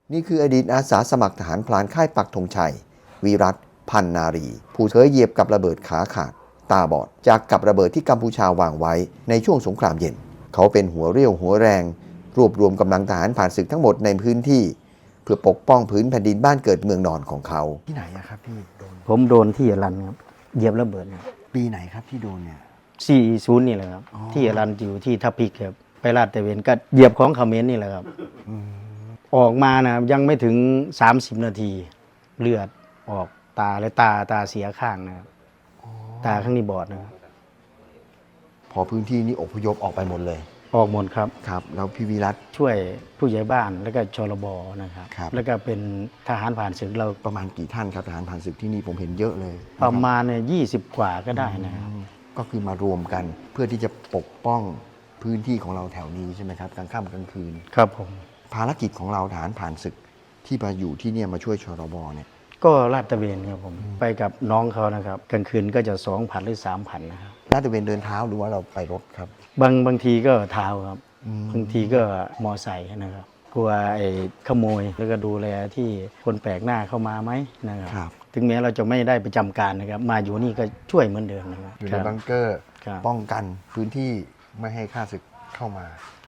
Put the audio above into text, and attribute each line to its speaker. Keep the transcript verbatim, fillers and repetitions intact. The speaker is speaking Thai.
Speaker 1: นี่คืออดีตอาสาสมัครทหารพลานค่ายปักธงชัยวิรัตพันนารีผู้เคยเหยียบกับระเบิดขาขาดตาบอดจากกับระเบิดที่กัมพูชาวางไว้ในช่วงสงครามเย็นเขาเป็นหัวเรี่ยวหัวแรงรวบรวมกำลังทหารผ่านศึกทั้งหมดในพื้นที่เพื่อปกป้องพื้นแผ่นดินบ้านเกิดเมืองนอนของเขาที่ไหนอะครับพี่โดน
Speaker 2: ผมโดนที่อรันครับเหยียบระเบิดครับ
Speaker 1: ปีไหนครับที่โดนเนี่ย
Speaker 2: สี่ศูนย์นี่แหละครับที่อรันอยู่ที่ทับพิกครับไปลาดตระเวนก็เหยียบของเขมรนี่แหละครับออกมานะยังไม่ถึงสามสิบนาทีเลือดออกตาและตาตาเสียข้างนะครับตาข้างนี้บอดนะครับ
Speaker 1: พอพื้นที่นี้อพยพออกไปหมดเลย
Speaker 2: ออกหมดครับ
Speaker 1: ครับแล้วพี่วิรัต
Speaker 2: ช่วยผู้ใหญ่บ้านแล้วก็ชลบนะครับ
Speaker 1: ครับ
Speaker 2: แล้วก็เป็นทหารผ่านศึกเรา
Speaker 1: ประมาณกี่ท่านครับทหารผ่านศึกที่นี่ผมเห็นเยอะเลย
Speaker 2: ประมาณเนี่ยยี่สิบกว่าก็ได้นะครับ
Speaker 1: ก็คือมารวมกันเพื่อที่จะปกป้องพื้นที่ของเราแถวนี้ใช่ไหมครับกลางค่ำกลางคืน
Speaker 2: ครับผม
Speaker 1: ภารกิจของเราทหารผ่านศึกที่มาอยู่ที่เนี่ยมาช่วยชรบเนี่ย
Speaker 2: ก็ลาดตระเวนครับผมไปกับน้องเขานะครับกลางคืนก็จะสองพันหรือสามพันนะครับ
Speaker 1: ลาดตระเวนเดินเท้าหรือว่าเราไปรถครับ
Speaker 2: บางบางทีก็เท้าครับบางทีก็มอไซค์นะครับกลัวไอ้ขโมยแล้วก็ดูแลที่คนแปลกหน้าเข้ามาไหมนะครับถึงแม้เราจะไม่ได้ประจำการนะครับมาอยู่นี่ก็ช่วยเหมือนเดิมนะครับ
Speaker 1: อยู่ในบังเกอร์ป้องกันพื้นที่ไม่ให้ข้าศึกเข้ามา